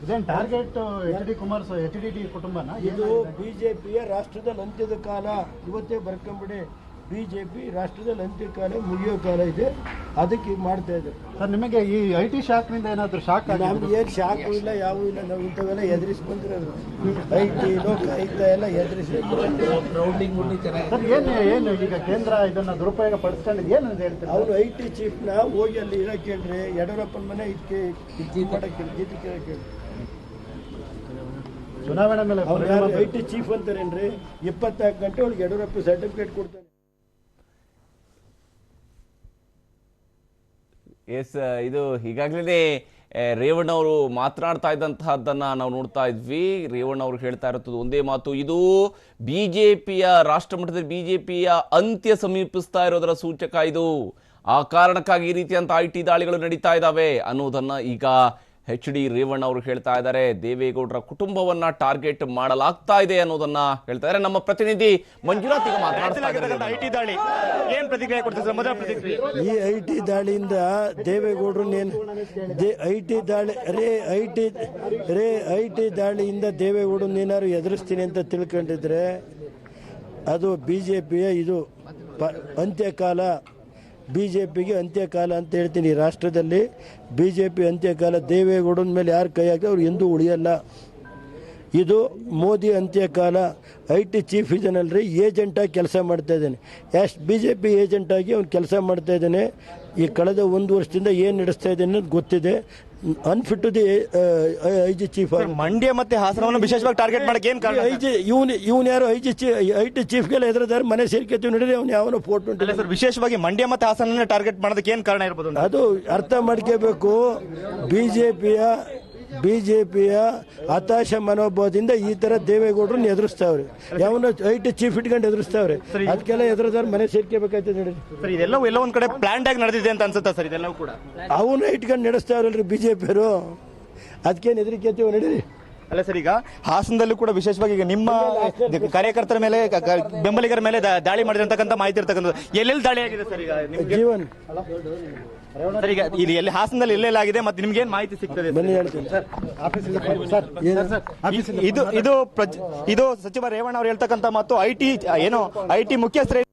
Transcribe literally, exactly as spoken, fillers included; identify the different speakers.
Speaker 1: Target H D Kumaraswamy H D D ಕುಟುಂಬನ
Speaker 2: ಇದು ಬಿಜೆಪಿಯ ರಾಷ್ಟ್ರದಲ್ಲಿ ಅಂತ್ಯದ ಕಾಲ ಇವತ್ತೇ ಬರ್ಕೊಂಬಿಡಿ. ಬಿಜೆಪಿ ರಾಷ್ಟ್ರದಲ್ಲಿ ಅಂತ್ಯಕಾಲ ಮುಗಿಯೋ ಕಾಲ ಇದೆ, ಅದಕ್ಕೆ ಈಗ ಮಾಡ್ತಾ ಇದ್ದಾರೆ.
Speaker 1: ಸರ್ ನಿಮಗೆ ಈ ಐ ಟಿ ಶಾಕ್ನಿಂದ ಏನಾದರೂ ಶಾಕ್ ಆಗಿದೆ?
Speaker 2: ನಮ್ಗೆ ಏನು ಶಾಕು ಇಲ್ಲ, ಯಾವೂ ಇಲ್ಲ. ನಾವು ಇಂಥವೆಲ್ಲ ಎದುರಿಸಿ ಬಂದಿರೋದು. ಐ ಟಿ ಲೋಕಾಯುಕ್ತ ಎಲ್ಲ ಎದುರಿಸಿ
Speaker 1: ಸರ್ ಏನು ಏನು ಈಗ ಕೇಂದ್ರ ಇದನ್ನ ದುರುಪಯೋಗ ಪಡಿಸ್ಕೊಂಡಿದ್ದು ಏನು ಅಂತ ಹೇಳ್ತಾರೆ?
Speaker 2: ಅವರು ಐ ಟಿ ಚೀಫ್ನ ಹೋಗಿ ಅಲ್ಲಿ ಇರೋ ಕೇಳ್ರಿ, ಯಡಿಯೂರಪ್ಪನ ಮನೆ ಇದಕ್ಕೆ ಇದು ಮಾಡಕ್ಕೆ ಜೀತಿ ಕೇಳಿ.
Speaker 1: ಚುನಾವಣೆ ಮೇಲೆ
Speaker 2: ಅವ್ರು ಯಾರು ಐ ಟಿ ಚೀಫ್ ಅಂತಾರೇನ್ರಿ? ಇಪ್ಪತ್ನಾಲ್ಕು ಗಂಟೆ ಒಳಗೆ ಯಡಿಯೂರಪ್ಪ ಸರ್ಟಿಫಿಕೇಟ್ ಕೊಡ್ತಾರೆ.
Speaker 3: ಎಸ್, ಇದು ಈಗಾಗಲೇ ರೇವಣ್ಣ ಅವರು ಮಾತನಾಡ್ತಾ ಇದ್ದಂತಹದ್ದನ್ನ ನಾವು ನೋಡ್ತಾ ಇದ್ವಿ. ರೇವಣ್ಣ ಅವರು ಹೇಳ್ತಾ ಇರೋದು ಒಂದೇ ಮಾತು, ಇದು ಬಿಜೆಪಿಯ ರಾಷ್ಟ್ರ ಮಟ್ಟದಲ್ಲಿ ಬಿಜೆಪಿಯ ಅಂತ್ಯ ಸಮೀಪಿಸ್ತಾ ಇರೋದರ ಸೂಚಕ. ಇದು ಆ ಕಾರಣಕ್ಕಾಗಿ ಈ ರೀತಿಯಂತ ಐ ಟಿ ದಾಳಿಗಳು ನಡೀತಾ ಇದ್ದಾವೆ ಅನ್ನೋದನ್ನ ಈಗ ಎಚ್ ಡಿ ರೇವಣ್ಣ ಅವರು ಹೇಳ್ತಾ ಇದ್ದಾರೆ. ದೇವೇಗೌಡರ ಕುಟುಂಬವನ್ನ ಟಾರ್ಗೆಟ್ ಮಾಡಲಾಗ್ತಾ ಇದೆ ಅನ್ನೋದನ್ನ ಹೇಳ್ತಾ ಇದ್ದಾರೆ. ನಮ್ಮ ಪ್ರತಿನಿಧಿ ಮಂಜುನಾಥ್ ಈಗ ಮಾತನಾಡ್ತಾ ಇದ್ದಾರೆ.
Speaker 4: ಐಟಿ ದಾಳಿ ಏನ್ ಪ್ರತಿಕ್ರಿಯೆ ಕೊಡ್ತಿದ್ದಾರೆ? ಮೊದಲ ಪ್ರತಿಕ್ರಿಯೆ,
Speaker 2: ಈ ಐ ಟಿ ದಾಳಿಯಿಂದ ದೇವೇಗೌಡರು ಐ ಟಿ ದಾಳಿ raid I T raid I T ದಾಳಿಯಿಂದ ದೇವೇಗೌಡರು ಏನಾದ್ರು ಎದುರಿಸ್ತೀನಿ ಅಂತ ತಿಳ್ಕೊಂಡಿದ್ರೆ ಅದು ಬಿ ಜೆ ಪಿಯ ಇದು ಪ ಅಂತ್ಯಕಾಲ. ಬಿ ಜೆ ಪಿಗೆ ಅಂತ್ಯಕಾಲ ಅಂತ ಹೇಳ್ತೀನಿ. ರಾಷ್ಟ್ರದಲ್ಲಿ ಬಿ ಜೆ ಪಿ ಅಂತ್ಯಕಾಲ. ದೇವೇಗೌಡನ ಮೇಲೆ ಯಾರು ಕೈ ಹಾಕಿ ಅವ್ರು ಎಂದೂ ಉಳಿಯಲ್ಲ. ಇದು ಮೋದಿ ಅಂತ್ಯಕಾಲ. ಐ ಟಿ ಚೀಫ್ ಇದನ್ನಲ್ರಿ, ಏಜೆಂಟಾಗಿ ಕೆಲಸ ಮಾಡ್ತಾ ಇದ್ದಾನೆ. ಎಷ್ಟು ಬಿ ಜೆ ಪಿ ಏಜೆಂಟಾಗಿ ಅವ್ನು ಕೆಲಸ ಮಾಡ್ತಾ ಇದ್ದಾನೆ. ಈ ಕಳೆದ ಒಂದು ವರ್ಷದಿಂದ ಏನು ನಡೆಸ್ತಾ ಇದ್ದಾನೆ ಅನ್ನೋದು ಗೊತ್ತಿದೆ. Unfit to the I G chief.
Speaker 4: Mandya ಮತ್ತೆ ಹಾಸನವನ್ನು ವಿಶೇಷವಾಗಿ ಟಾರ್ಗೆಟ್ ಮಾಡಕ್ಕೆ ಏನ್ ಕಾರಣ?
Speaker 2: ಐ ಜಿ ಇವನು ಇವನು ಯಾರು ಐ ಜಿ ಐ ಟಿ ಚೀಫ್ಗೆಲ್ಲ ಎದುರಿದಾರೆ. ಮನೆ ಸೇರ್ಕೊತೀವಿ ನೋಡಿದ್ರೆ ಅವ್ನು ಯಾವನೋ ಫೋಟೋ ಉಂಟು
Speaker 4: ಸರ್. ವಿಶೇಷವಾಗಿ ಮಂಡ್ಯ ಮತ್ತೆ ಹಾಸನ ಟಾರ್ಗೆಟ್ ಮಾಡೋದಕ್ಕೆ ಏನ್ ಕಾರಣ ಇರ್ಬೋದು?
Speaker 2: ಅದು ಅರ್ಥ ಮಾಡ್ಕೋಬೇಕು. ಬಿಜೆಪಿಯ ಬಿಜೆಪಿಯ ಹತಾಶ ಮನೋಭಾವದಿಂದ ಈ ತರ ದೇವೇಗೌಡರನ್ನ ಎದುರಿಸ್ತಾವ್ರೆ. ಯಾವನ ಐ ಟಿ ಚೀಫ್ ಇಟ್ಕೊಂಡು ಎದುರಿಸ್ತಾವ್ರೆ. ಅದಕ್ಕೆಲ್ಲ ಎದುರಿದವ್ರು ಮನೆ ಸೇರ್ಕೋಬೇಕಾಯ್ತದೆ ನೋಡಿ
Speaker 4: ಸರ್. ಇದೆಲ್ಲವೂ ಎಲ್ಲ ಒಂದ್ ಕಡೆ ಪ್ಲಾನ್ ಆಗಿ ನಡೆದಿದೆ ಅಂತ ಅನ್ಸುತ್ತಾ ಸರ್? ಇದೆಲ್ಲವೂ ಕೂಡ
Speaker 2: ಅವನ್ನ ಇಟ್ಕೊಂಡು ನಡೆಸ್ತಾವ್ರಲ್ರಿ ಬಿಜೆಪಿಯವರು. ಅದಕ್ಕೇನು ಹೆದರಿಕೆತೀವಿ ನಡೀರಿ.
Speaker 4: ಅಲ್ಲ ಸರ್, ಈಗ ಹಾಸನದಲ್ಲೂ ಕೂಡ ವಿಶೇಷವಾಗಿ ಈಗ ನಿಮ್ಮ ಕಾರ್ಯಕರ್ತರ ಮೇಲೆ ಬೆಂಬಲಿಗರ ಮೇಲೆ ದಾಳಿ ಮಾಡಿರ್ತಕ್ಕಂಥ ಮಾಹಿತಿ ಇರ್ತಕ್ಕಂಥದ್ದು ಎಲ್ಲೆಲ್ಲಿ ದಾಳಿ ಆಗಿದೆ ಸರ್? ಈಗ
Speaker 2: ಜೀವನ್
Speaker 4: ಸರ್, ಈಗ ಇಲ್ಲಿ ಎಲ್ಲಿ ಹಾಸನದಲ್ಲಿ ಎಲ್ಲೆಲ್ಲಾಗಿದೆ ಮತ್ತೆ ನಿಮ್ಗೆ ಏನ್ ಮಾಹಿತಿ ಸಿಗ್ತದೆ?
Speaker 2: ಬನ್ನಿ ಹೇಳ್ತೀನಿ.
Speaker 4: ಇದು ಇದು ಇದು ಸಚಿವ ರೇವಣ್ಣ ಅವರು ಹೇಳ್ತಕ್ಕಂಥ ಮತ್ತು ಐ ಟಿ ಏನು ಐ ಟಿ ಮುಖ್ಯಸ್ಥರೇ